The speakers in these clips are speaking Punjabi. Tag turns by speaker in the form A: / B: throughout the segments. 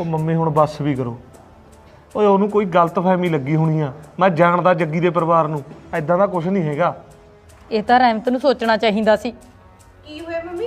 A: ਉਹ ਮੰਮੀ ਹੁਣ ਬੱਸ ਵੀ ਕਰੋ। ਓਏ ਉਹਨੂੰ ਕੋਈ ਗਲਤਫਹਿਮੀ ਲੱਗੀ ਹੋਣੀ ਆ। ਮੈਂ ਜਾਣਦਾ ਜੱਗੀ ਦੇ ਪਰਿਵਾਰ ਨੂੰ, ਐਦਾਂ ਦਾ ਕੁਝ ਨਹੀਂ ਹੈਗਾ।
B: ਇਹ ਤਾਂ ਰਹਿਮਤ ਨੂੰ ਸੋਚਣਾ ਚਾਹੀਦਾ ਸੀ।
C: ਕੀ ਹੋਇਆ ਮੰਮੀ?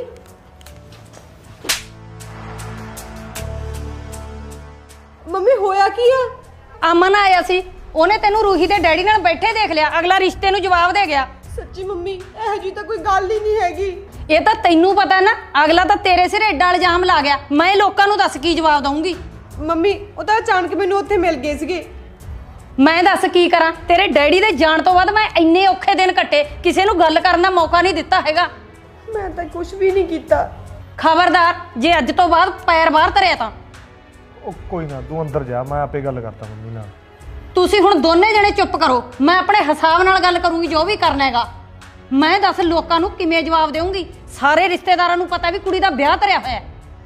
C: ਮੰਮੀ ਹੋਇਆ ਕੀ ਆ?
B: ਅਮਨ ਆਇਆ ਸੀ, ਉਹਨੇ ਤੈਨੂੰ ਰੂਹੀ ਦੇ ਡੈਡੀ ਨਾਲ ਬੈਠੇ ਦੇਖ ਲਿਆ। ਅਗਲਾ ਰਿਸ਼ਤੇ ਨੂੰ ਜਵਾਬ ਦੇ ਗਿਆ।
C: ਸੱਚੀ ਮੰਮੀ, ਇਹੋ ਜੀ ਤਾਂ ਕੋਈ ਗੱਲ ਹੀ ਨਹੀਂ ਹੈਗੀ।
B: ਇਹ ਤਾਂ ਤੈਨੂੰ ਪਤਾ ਨਾ, ਅਗਲਾ ਤਾਂ ਤੇਰੇ ਸਿਰ ਏਡਾ ਇਲਜ਼ਾਮ ਲਾ ਗਿਆ। ਮੈਂ ਲੋਕਾਂ ਨੂੰ ਦੱਸ ਕੀ ਜਵਾਬ ਦਊਂਗੀ?
C: ਮੰਮੀ ਉਹ ਤਾਂ ਅਚਾਨਕ ਮੈਨੂੰ ਉੱਥੇ ਮਿਲ ਗਏ ਸੀਗੇ।
B: ਮੈਂ ਦੱਸ ਕੀ ਕਰਾਂ? ਤੇਰੇ ਡੈਡੀ ਦੇ ਜਾਣ ਤੋਂ ਬਾਅਦ ਮੈਂ ਇੰਨੇ ਔਖੇ ਦਿਨ ਕੱਟੇ, ਕਿਸੇ ਨੂੰ ਗੱਲ ਕਰਨ ਦਾ ਮੌਕਾ ਨਹੀਂ ਦਿੱਤਾ ਹੈਗਾ।
C: ਮੈਂ ਤਾਂ ਕੁਝ ਵੀ ਨਹੀਂ ਕੀਤਾ।
B: ਖਬਰਦਾਰ ਜੇ ਅੱਜ ਤੋਂ ਬਾਅਦ ਪੈਰ ਬਾਹਰ ਧਰਿਆ ਤਾਂ।
A: ਉਹ ਕੋਈ ਨਾ, ਤੂੰ ਅੰਦਰ ਜਾ, ਮੈਂ ਆਪੇ ਗੱਲ ਕਰਤਾ ਮੰਮੀ ਨਾਲ।
B: ਤੁਸੀਂ ਹੁਣ ਦੋਨੇ ਜਣੇ ਚੁੱਪ ਕਰੋ, ਮੈਂ ਆਪਣੇ ਹਿਸਾਬ ਨਾਲ ਗੱਲ ਕਰੂੰਗੀ ਜੋ ਵੀ ਕਰਨਾ ਹੈਗਾ। ਮੈਂ ਦੱਸ ਲੋਕਾਂ ਨੂੰ ਕਿਵੇਂ ਜਵਾਬ ਦੇਵਾਂਗੀ? ਸਾਰੇ ਰਿਸ਼ਤੇਦਾਰਾਂ ਨੂੰ ਪਤਾ ਵੀ ਕੁੜੀ ਦਾ ਵਿਆਹ ਧਰਿਆ ਹੋਇਆ ਹੈ।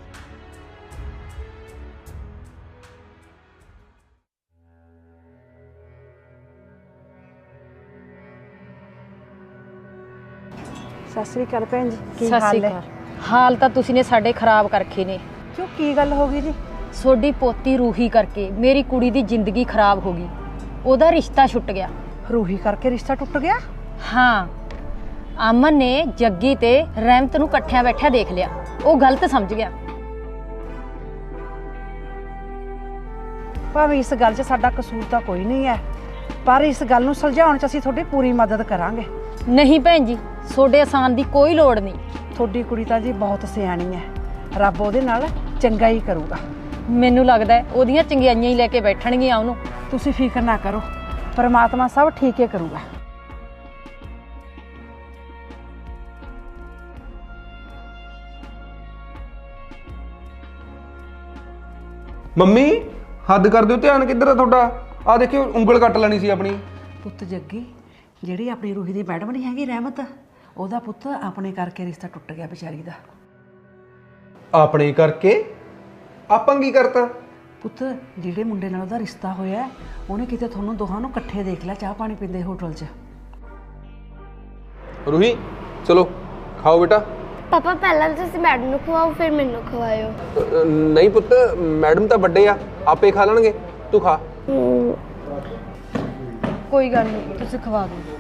D: ਸਤਿ ਸ੍ਰੀ ਅਕਾਲ ਭੈਣ ਜੀ, ਕੀ
B: ਸਤਿ
D: ਹਾਲ
B: ਸ਼੍ਰੀ
D: ਹੈ?
B: ਅਕਾਲ। ਹਾਲ ਤਾਂ ਤੁਸੀਂ ਨੇ ਸਾਡੇ ਖਰਾਬ ਕਰਖੇ ਨੇ।
D: ਕਿਉਂ, ਕੀ ਗੱਲ ਹੋ ਗਈ ਜੀ?
B: ਤੁਹਾਡੀ ਪੋਤੀ ਰੂਹੀ ਕਰਕੇ ਮੇਰੀ ਕੁੜੀ ਦੀ ਜ਼ਿੰਦਗੀ ਖਰਾਬ ਹੋ ਗਈ। ਉਹਦਾ ਰਿਸ਼ਤਾ ਛੁੱਟ ਗਿਆ।
D: ਰੂਹੀ ਕਰਕੇ ਰਿਸ਼ਤਾ ਟੁੱਟ ਗਿਆ?
B: ਹਾਂ, ਅਮਨ ਨੇ ਜੱਗੀ ਤੇ ਰਹਿਮਤ ਨੂੰ ਇਕੱਠਿਆਂ ਬੈਠਿਆ ਦੇਖ ਲਿਆ। ਉਹ ਗਲਤ ਸਮਝ ਗਿਆ।
D: ਭਾਵੇਂ ਇਸ ਗੱਲ 'ਚ ਸਾਡਾ ਕਸੂਰ ਤਾਂ ਕੋਈ ਨਹੀਂ ਹੈ, ਪਰ ਇਸ ਗੱਲ ਨੂੰ ਸੁਲਝਾਉਣ 'ਚ ਅਸੀਂ ਤੁਹਾਡੀ ਪੂਰੀ ਮਦਦ ਕਰਾਂਗੇ।
B: ਨਹੀਂ ਭੈਣ ਜੀ, ਤੁਹਾਡੇ ਆਸਾਨ ਦੀ ਕੋਈ ਲੋੜ ਨਹੀਂ।
D: ਤੁਹਾਡੀ ਕੁੜੀ ਤਾਂ ਜੀ ਬਹੁਤ ਸਿਆਣੀ ਹੈ, ਰੱਬ ਉਹਦੇ ਨਾਲ ਚੰਗਾ ਹੀ ਕਰੂਗਾ।
B: ਮੈਨੂੰ ਲੱਗਦਾ ਹੈ ਉਹਦੀਆਂ ਚੰਗਿਆਈਆਂ ਹੀ ਲੈ ਕੇ ਬੈਠਣਗੀਆਂ ਉਹਨੂੰ।
D: ਤੁਸੀਂ ਫਿਕਰ ਨਾ ਕਰੋ, ਪਰਮਾਤਮਾ ਸਭ ਠੀਕ ਹੀ ਕਰੂਗਾ।
E: ਮੰਮੀ ਹੱਦ ਕਰ ਦਿਓ, ਧਿਆਨ ਕਿੱਧਰ ਆ ਤੁਹਾਡਾ? ਆ ਦੇਖਿਓ, ਉਂਗਲ ਕੱਟ ਲੈਣੀ ਸੀ ਆਪਣੀ।
D: ਪੁੱਤ ਜੱਗੀ, ਜਿਹੜੀ ਆਪਣੀ ਰੂਹੀ ਦੀ ਮੈਡਮ ਨਹੀਂ ਹੈਗੀ ਰਹਿਮਤ, ਉਹਦਾ ਪੁੱਤ ਆਪਣੇ ਕਰਕੇ ਰਿਸ਼ਤਾ ਟੁੱਟ ਗਿਆ ਵਿਚਾਰੀ ਦਾ।
E: ਆਪਣੇ ਕਰਕੇ? ਆਪਾਂ ਕੀ ਕਰਤਾ?
D: ਪੁੱਤ ਜਿਹੜੇ ਮੁੰਡੇ ਨਾਲ ਉਹਦਾ ਰਿਸ਼ਤਾ ਹੋਇਆ, ਉਹਨੇ ਕਿਤੇ ਤੁਹਾਨੂੰ ਦੋਹਾਂ ਨੂੰ ਇਕੱਠੇ ਦੇਖ ਲਿਆ ਚਾਹ ਪਾਣੀ ਪੀਂਦੇ ਹੋਟਲ 'ਚ।
E: ਰੂਹੀ ਚਲੋ ਖਾਓ ਬੇਟਾ।
F: ਪਾਪਾ ਪਹਿਲਾਂ ਤੁਸੀਂ ਮੈਡਮ ਨੂੰ ਖਵਾਓ, ਫਿਰ ਮੈਨੂੰ ਖਵਾਇਓ।
E: ਨਹੀਂ ਪੁੱਤ, ਮੈਡਮ ਤਾਂ ਵੱਡੇ ਆ, ਆਪੇ ਖਾ ਲੈਣਗੇ, ਤੂੰ ਖਾ।
B: ਕੋਈ ਗੱਲ ਨਹੀਂ, ਤੁਸੀਂ ਖਵਾ ਦਿਓ।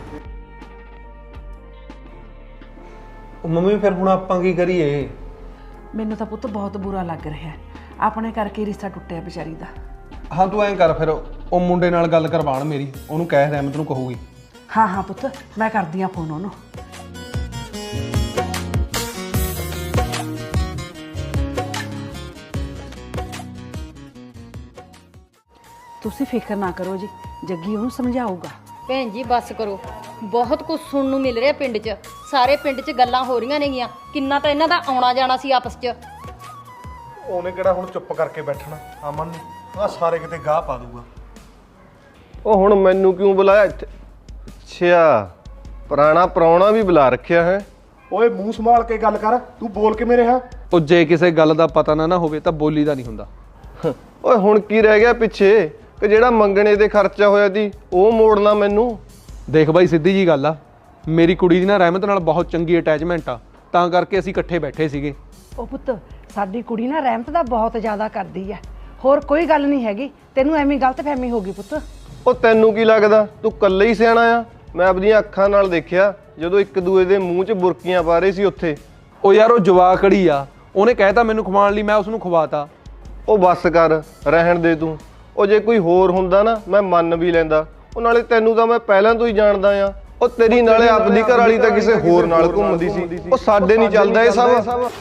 E: ਮੰਮੀ ਫਿਰ ਹੁਣ ਆਪਾਂ ਕੀ ਕਰੀਏ?
D: ਮੈਨੂੰ ਤਾਂ ਪੁੱਤ ਬਹੁਤ ਬੁਰਾ ਲੱਗ ਰਿਹਾ, ਆਪਣੇ ਕਰਕੇ ਰਿਸ਼ਤਾ ਟੁੱਟਿਆ ਵਿਚਾਰੀ ਦਾ।
E: ਹਾਂ ਤੂੰ ਐਂ ਕਰ ਫਿਰ, ਉਹ ਮੁੰਡੇ ਨਾਲ ਗੱਲ ਕਰਵਾਣ ਮੇਰੀ, ਉਹਨੂੰ ਕਹਿ ਰਹਿਮਤ ਨੂੰ ਕਹੂਗੀ।
D: ਹਾਂ ਹਾਂ ਪੁੱਤ, ਮੈਂ ਕਰਦੀ ਆ ਫੋਨ ਉਹਨੂੰ। ਤੁਸੀਂ ਫਿਕਰ ਨਾ ਕਰੋ ਜੀ, ਜੱਗੀ ਉਹਨੂੰ ਸਮਝਾਊਗਾ।
B: ਭੈਣ ਜੀ ਬਸ ਕਰੋ, ਬਹੁਤ ਕੁਝ ਸੁਣਨ ਨੂੰ ਮਿਲ ਰਿਹਾ ਪਿੰਡ 'ਚ। ਸਾਰੇ ਪਿੰਡ 'ਚ ਗੱਲਾਂ ਹੋ ਰਹੀਆਂ ਨੇਗੀਆਂ। ਕਿੰਨਾ ਤਾਂ ਇਹਨਾਂ ਦਾ ਆਉਣਾ ਜਾਣਾ ਸੀ ਆਪਸ 'ਚ।
A: ਉਹਨੇ ਕਿਹੜਾ ਹੁਣ ਚੁੱਪ ਕਰਕੇ ਬੈਠਣਾ ਅਮਨ ਨੂੰ? ਆ ਸਾਰੇ ਕਿਤੇ ਗਾਹ ਪਾ ਦੂਗਾ।
G: ਉਹ ਹੁਣ ਮੈਨੂੰ ਕਿਉਂ ਬੁਲਾਇਆ ਇੱਥੇ? ਅੱਛਾ, ਪੁਰਾਣਾ ਪ੍ਰਾਹੁਣਾ ਵੀ ਬੁਲਾ ਰੱਖਿਆ ਹੈ।
A: ਓਏ ਮੂੰਹ ਸੰਭਾਲ ਕੇ ਗੱਲ ਕਰ, ਤੂੰ ਬੋਲ ਕਿਵੇਂ ਰਿਹਾ?
E: ਉਹ ਜੇ ਕਿਸੇ ਗੱਲ ਦਾ ਪਤਾ ਨਾ ਹੋਵੇ ਤਾਂ ਬੋਲੀ ਦਾ ਨਹੀਂ ਹੁੰਦਾ।
G: ਓਏ ਹੁਣ ਕੀ ਰਹਿ ਗਿਆ ਪਿੱਛੇ, ਕਿ ਜਿਹੜਾ ਮੰਗਣੇ ਤੇ ਖਰਚਾ ਹੋਇਆ ਸੀ ਉਹ ਮੋੜਨਾ ਮੈਨੂੰ?
E: ਦੇਖ ਬਾਈ, ਸਿੱਧੀ ਜੀ ਗੱਲ ਆ, ਮੇਰੀ ਕੁੜੀ ਦੀ ਨਾ ਰਹਿਮਤ ਨਾਲ ਬਹੁਤ ਚੰਗੀ ਅਟੈਚਮੈਂਟ ਆ, ਤਾਂ ਕਰਕੇ ਅਸੀਂ ਇਕੱਠੇ ਬੈਠੇ ਸੀਗੇ।
D: ਉਹ ਪੁੱਤ, ਸਾਡੀ ਕੁੜੀ ਨਾ ਰਹਿਮਤ ਦਾ ਬਹੁਤ ਜ਼ਿਆਦਾ ਕਰਦੀ ਹੈ, ਹੋਰ ਕੋਈ ਗੱਲ ਨਹੀਂ ਹੈਗੀ। ਤੈਨੂੰ ਐਵੇਂ ਗਲਤਫਹਿਮੀ ਹੋ ਗਈ ਪੁੱਤ।
G: ਉਹ ਤੈਨੂੰ ਕੀ ਲੱਗਦਾ ਤੂੰ ਇਕੱਲੇ ਹੀ ਸਿਆਣਾ ਆ? ਮੈਂ ਆਪਣੀਆਂ ਅੱਖਾਂ ਨਾਲ ਦੇਖਿਆ ਜਦੋਂ ਇੱਕ ਦੂਏ ਦੇ ਮੂੰਹ 'ਚ ਬੁਰਕੀਆਂ ਪਾ ਰਹੇ ਸੀ ਉੱਥੇ।
E: ਉਹ ਯਾਰ ਉਹ ਜਵਾਕੜੀ ਆ, ਉਹਨੇ ਕਹਿਤਾ ਮੈਨੂੰ ਖਵਾਉਣ ਲਈ, ਮੈਂ ਉਸਨੂੰ ਖਵਾਤਾ।
G: ਉਹ ਬੱਸ ਕਰ, ਰਹਿਣ ਦੇ ਤੂੰ। ਉਹ ਜੇ ਕੋਈ ਹੋਰ ਹੁੰਦਾ ਨਾ ਮੈਂ ਮੰਨ ਵੀ ਲੈਂਦਾ। ਉਹ ਨਾਲੇ ਤੈਨੂੰ ਤਾਂ ਮੈਂ ਪਹਿਲਾਂ ਤੋਂ ਹੀ ਜਾਣਦਾ ਆ। ਉਹ ਤੇਰੀ ਨਾਲੇ ਆਪਦੀ ਘਰ ਵਾਲੀ ਤਾਂ ਕਿਸੇ ਹੋਰ ਨਾਲ ਘੁੰਮਦੀ ਸੀ। ਉਹ ਸਾਡੇ ਨਹੀਂ ਚੱਲਦਾ ਇਹ ਸਭ।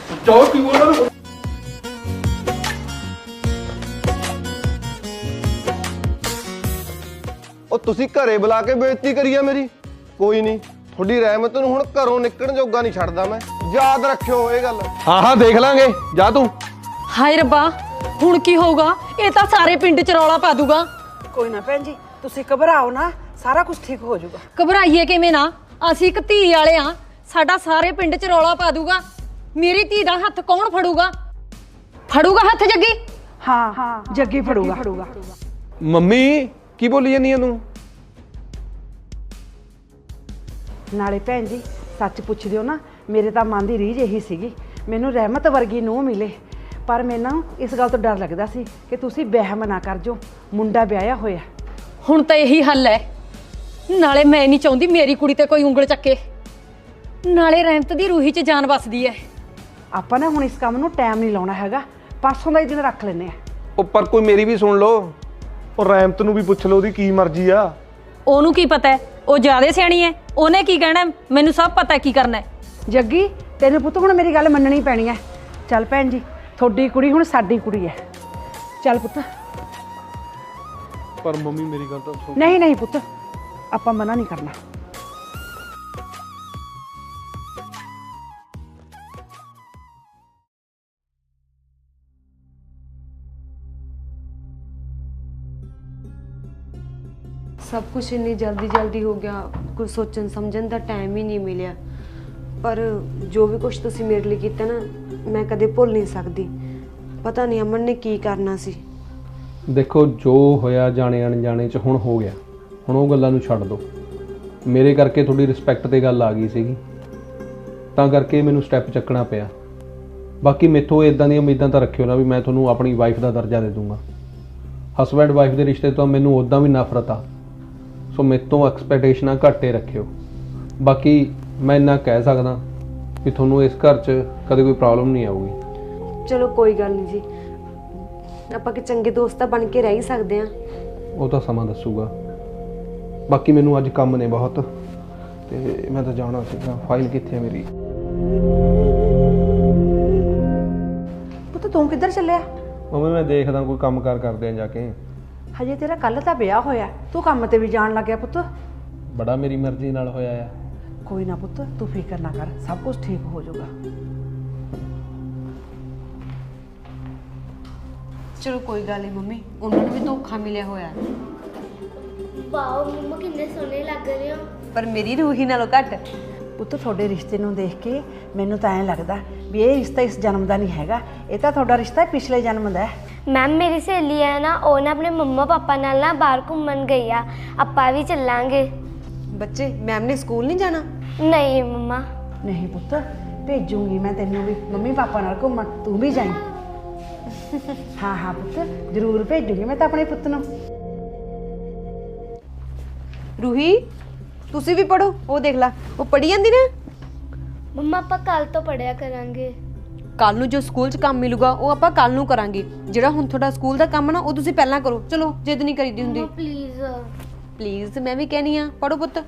G: ਉਹ ਤੁਸੀਂ ਘਰੇ ਬੁਲਾ ਕੇ ਬੇਇੱਜ਼ਤੀ ਕਰੀ ਆ ਮੇਰੀ। ਕੋਈ ਨਹੀਂ, ਤੁਹਾਡੀ ਰਹਿਮਤ ਨੂੰ ਹੁਣ ਘਰੋਂ ਨਿਕਲਣ ਜੋਗਾ ਨਹੀਂ ਛੱਡਦਾ ਮੈਂ, ਯਾਦ ਰੱਖਿਓ ਇਹ ਗੱਲ।
E: ਹਾਂ ਦੇਖ ਲਾਂਗੇ, ਜਾ ਤੂੰ।
B: ਹਾਏ ਰੱਬਾ, ਹੁਣ ਕੀ ਹੋਊਗਾ? ਇਹ ਤਾਂ ਸਾਰੇ ਪਿੰਡ 'ਚ ਰੌਲਾ ਪਾ ਦੂਗਾ।
D: ਕੋਈ ਨਾ ਭੈਣ ਜੀ, ਤੁਸੀਂ ਘਬਰਾਓ ਨਾ, ਸਾਰਾ ਕੁਝ ਠੀਕ ਹੋ ਜਾਊਗਾ।
B: ਘਬਰਾਈਏ ਕਿਵੇਂ ਨਾ? ਅਸੀਂ ਇੱਕ ਧੀ ਵਾਲੇ ਆ, ਸਾਡਾ ਸਾਰੇ ਪਿੰਡ 'ਚ ਰੌਲਾ ਪਾ ਦੂਗਾ। ਮੇਰੀ ਧੀ ਦਾ ਹੱਥ ਕੌਣ ਫੜੂਗਾ? ਫੜੂਗਾ ਹੱਥ ਜੱਗੀ?
D: ਹਾਂ, ਜੱਗੀ ਫੜੂਗਾ।
E: ਮੰਮੀ ਕੀ ਬੋਲੀ ਜਾਂਦੀ ਆ ਤੂੰ?
D: ਨਾਲੇ ਭੈਣ ਜੀ ਸੱਚ ਪੁੱਛਦੇ ਹੋ ਨਾ, ਮੇਰੇ ਤਾਂ ਮਨ ਦੀ ਰੀਝ ਇਹੀ ਸੀਗੀ, ਮੈਨੂੰ ਰਹਿਮਤ ਵਰਗੀ ਨੂੰਹ ਮਿਲੇ। ਪਰ ਮੈਨੂੰ ਇਸ ਗੱਲ ਤੋਂ ਡਰ ਲੱਗਦਾ ਸੀ ਕਿ ਤੁਸੀਂ ਵਹਿਮ ਨਾ ਕਰ ਜੋ ਮੁੰਡਾ ਵਿਆਹਿਆ ਹੋਇਆ।
B: ਹੁਣ ਤਾਂ ਇਹੀ ਹੱਲ ਹੈ। ਨਾਲੇ ਮੈਂ ਨਹੀਂ ਚਾਹੁੰਦੀ ਮੇਰੀ ਕੁੜੀ ਤੇ ਕੋਈ ਉਂਗਲ ਚੱਕੇ, ਨਾਲੇ ਰਹਿਮਤ ਦੀ ਰੂਹੀ 'ਚ ਜਾਨ ਵਸਦੀ ਹੈ।
D: ਆਪਾਂ ਨਾ ਹੁਣ ਇਸ ਕੰਮ ਨੂੰ ਟਾਈਮ ਨਹੀਂ ਲਾਉਣਾ ਹੈਗਾ, ਪਰਸੋਂ ਦਾ ਹੀ ਦਿਨ ਰੱਖ ਲੈਂਦੇ ਆ।
E: ਉਹ ਪਰ ਕੋਈ ਮੇਰੀ ਵੀ ਸੁਣ ਲਓ।
A: ਉਹ ਰਹਿਮਤ ਨੂੰ ਵੀ ਪੁੱਛ ਲਓ, ਉਹਦੀ ਕੀ ਮਰਜ਼ੀ ਆ।
B: ਉਹਨੂੰ ਕੀ ਪਤਾ ਹੈ, ਉਹ ਜ਼ਿਆਦਾ ਸਿਆਣੀ ਹੈ, ਉਹਨੇ ਕੀ ਕਹਿਣਾ, ਮੈਨੂੰ ਸਭ ਪਤਾ ਕੀ ਕਰਨਾ ਹੈ।
D: ਜੱਗੀ ਤੈਨੂੰ ਪੁੱਤ ਹੁਣ ਮੇਰੀ ਗੱਲ ਮੰਨਣੀ ਪੈਣੀ ਹੈ। ਚੱਲ ਭੈਣ ਜੀ, ਤੁਹਾਡੀ ਕੁੜੀ ਹੁਣ ਸਾਡੀ ਕੁੜੀ ਹੈ। ਚੱਲ ਪੁੱਤ।
E: ਪਰ ਮੰਮੀ ਮੇਰੀ ਗੱਲ ਤਾਂ ਸੁਣ।
D: ਨਹੀਂ ਨਹੀਂ ਪੁੱਤ, ਆਪਾਂ ਮਨਾ ਨਹੀਂ ਕਰਨਾ।
C: ਸਭ ਕੁਝ ਇੰਨੀ ਜਲਦੀ ਹੋ ਗਿਆ, ਕੁਝ ਸੋਚਣ ਸਮਝਣ ਦਾ ਟਾਈਮ ਹੀ ਨਹੀਂ ਮਿਲਿਆ। ਪਰ ਜੋ ਵੀ ਕੁਝ ਤੁਸੀਂ ਮੇਰੇ ਲਈ ਕੀਤਾ ਨਾ, ਮੈਂ ਕਦੇ ਭੁੱਲ ਨਹੀਂ ਸਕਦੀ। ਪਤਾ ਨਹੀਂ ਅਮਨ ਨੇ ਕੀ ਕਰਨਾ ਸੀ।
E: ਦੇਖੋ ਜੋ ਹੋਇਆ ਜਾਣੇ ਅਣਜਾਣੇ 'ਚ ਹੁਣ ਹੋ ਗਿਆ, ਹੁਣ ਉਹ ਗੱਲਾਂ ਨੂੰ ਛੱਡ ਦਿਓ। ਮੇਰੇ ਕਰਕੇ ਤੁਹਾਡੀ ਰਿਸਪੈਕਟ ਤੇ ਗੱਲ ਆ ਗਈ ਸੀਗੀ, ਤਾਂ ਕਰਕੇ ਮੈਨੂੰ ਸਟੈਪ ਚੱਕਣਾ ਪਿਆ। ਬਾਕੀ ਮੈਥੋਂ ਇਦਾਂ ਦੀਆਂ ਉਮੀਦਾਂ ਤਾਂ ਰੱਖਿਓ ਨਾ ਵੀ ਮੈਂ ਤੁਹਾਨੂੰ ਆਪਣੀ ਵਾਈਫ ਦਾ ਦਰਜਾ ਦੇ ਦੂੰਗਾ। ਹਸਬੈਂਡ ਵਾਈਫ ਦੇ ਰਿਸ਼ਤੇ ਤੋਂ ਮੈਨੂੰ ਉੱਦਾਂ ਵੀ ਨਫ਼ਰਤ ਆ, ਸੋ ਮੈਥੋਂ ਐਕਸਪੈਕਟੇਸ਼ਨਾਂ ਘੱਟ ਹੀ ਰੱਖਿਓ। ਬਾਕੀ ਮੈਂ ਇੰਨਾ ਕਹਿ ਸਕਦਾ ਵੀ ਤੁਹਾਨੂੰ ਇਸ ਘਰ 'ਚ ਕਦੇ ਕੋਈ ਪ੍ਰੋਬਲਮ ਨਹੀਂ ਆਊਗੀ।
C: ਚਲੋ ਕੋਈ ਗੱਲ ਨਹੀਂ ਜੀ, ਆਪਾਂ ਕਿ ਚੰਗੇ ਦੋਸਤ ਬਣ ਕੇ ਰਹਿ ਹੀ ਸਕਦੇ ਆ।
E: ਉਹ ਤਾਂ ਸਮਾਂ ਦੱਸੂਗਾ। ਬਾਕੀ ਮੈਨੂੰ ਅੱਜ ਕੰਮ ਨੇ ਬਹੁਤ, ਤੇ ਮੈਂ ਤਾਂ ਜਾਣਾ ਸੀਗਾ। ਫਾਈਲ ਕਿੱਥੇ ਹੈ ਮੇਰੀ?
D: ਪੁੱਤ ਤੂੰ ਕਿੱਧਰ ਚੱਲਿਆ?
E: ਮੰਮੀ ਮੈਂ ਦੇਖਦਾ ਕੋਈ ਕੰਮ ਕਾਰ ਕਰਦੇ ਆ ਜਾ ਕੇ।
D: ਹਜੇ ਤੇਰਾ ਕੱਲ ਤਾਂ ਵਿਆਹ ਹੋਇਆ, ਤੂੰ ਕੰਮ ਤੇ ਵੀ ਜਾਣ ਲੱਗਿਆ ਪੁੱਤ।
E: ਬੜਾ ਮੇਰੀ ਮਰਜ਼ੀ ਨਾਲ ਹੋਇਆ ਆ।
D: ਕੋਈ ਨਾ ਪੁੱਤ, ਤੂੰ ਫਿਕਰ ਨਾ ਕਰ, ਸਭ ਕੁਝ ਠੀਕ ਹੋ ਜਾਊਗਾ।
C: ਚਲੋ ਕੋਈ ਗੱਲ ਨਹੀਂ ਮੰਮੀ, ਉਹਨਾਂ ਨੂੰ ਵੀ ਧੋਖਾ ਮਿਲਿਆ ਹੋਇਆ।
F: ਵਾਓ ਮੰਮਾ ਕਿੰਨੇ ਸੋਹਣੇ ਲੱਗ ਰਹੇ ਹੋ।
C: ਪਰ ਮੇਰੀ ਰੂਹੀ ਨਾਲੋਂ ਘੱਟ।
D: ਪੁੱਤ ਤੁਹਾਡੇ ਰਿਸ਼ਤੇ ਨੂੰ ਦੇਖ ਕੇ ਮੈਨੂੰ ਤਾਂ ਐਂ ਲੱਗਦਾ ਵੀ ਇਹ ਰਿਸ਼ਤਾ ਇਸ ਜਨਮ ਦਾ ਨਹੀਂ ਹੈਗਾ, ਇਹ ਤਾਂ ਤੁਹਾਡਾ ਰਿਸ਼ਤਾ ਪਿਛਲੇ ਜਨਮ ਦਾ ਹੈ।
F: ਮੈਮ ਮੇਰੀ ਸਹੇਲੀ ਹੈ ਨਾ, ਉਹ ਨਾ ਆਪਣੇ ਮੰਮਾ ਪਾਪਾ ਨਾਲ ਨਾ ਬਾਹਰ ਘੁੰਮਣ ਗਈ ਆ, ਆਪਾਂ ਵੀ ਚੱਲਾਂਗੇ।
C: ਬੱਚੇ ਮੈਮ ਨੇ ਸਕੂਲ ਨਹੀਂ ਜਾਣਾ?
F: ਨਹੀਂ ਮੰਮਾ।
D: ਨਹੀਂ ਪੁੱਤ, ਭੇਜੂਗੀ ਮੈਂ ਤੈਨੂੰ ਵੀ ਮੰਮੀ ਪਾਪਾ ਨਾਲ ਘੁੰਮਣ, ਤੂੰ ਵੀ ਜਾਈਂ। ਹਾਂ ਹਾਂ ਪੁੱਤ, ਜ਼ਰੂਰ ਭੇਜੂਗੀ ਮੈਂ ਤਾਂ ਆਪਣੇ ਪੁੱਤ ਨੂੰ।
C: ਰੂਹੀ ਤੁਸੀਂ ਵੀ ਪੜੋ, ਉਹ ਦੇਖ ਲੈ ਉਹ ਪੜੀ ਜਾਂਦੀ ਨਾ।
F: ਮੰਮਾ ਆਪਾਂ ਕੱਲ ਤੋਂ ਪੜਿਆ ਕਰਾਂਗੇ।
C: ਕੱਲ ਨੂੰ ਜੋ ਸਕੂਲ 'ਚ ਕੰਮ ਮਿਲੂਗਾ ਉਹ ਆਪਾਂ ਕੱਲ ਨੂੰ ਕਰਾਂਗੇ। ਜਿਹੜਾ ਹੁਣ ਤੁਹਾਡਾ ਸਕੂਲ ਦਾ ਕੰਮ ਨਾ ਉਹ ਤੁਸੀਂ ਪਹਿਲਾਂ ਕਰੋ। ਚਲੋ ਜਿੱਦ ਨਹੀਂ ਕਰੀਦੀ ਹੁੰਦੀ।
F: ਪਲੀਜ਼
C: ਪਲੀਜ਼ ਮੈਂ ਵੀ ਕਹਿਨੀ ਆ, ਪੜੋ ਪੁੱਤ।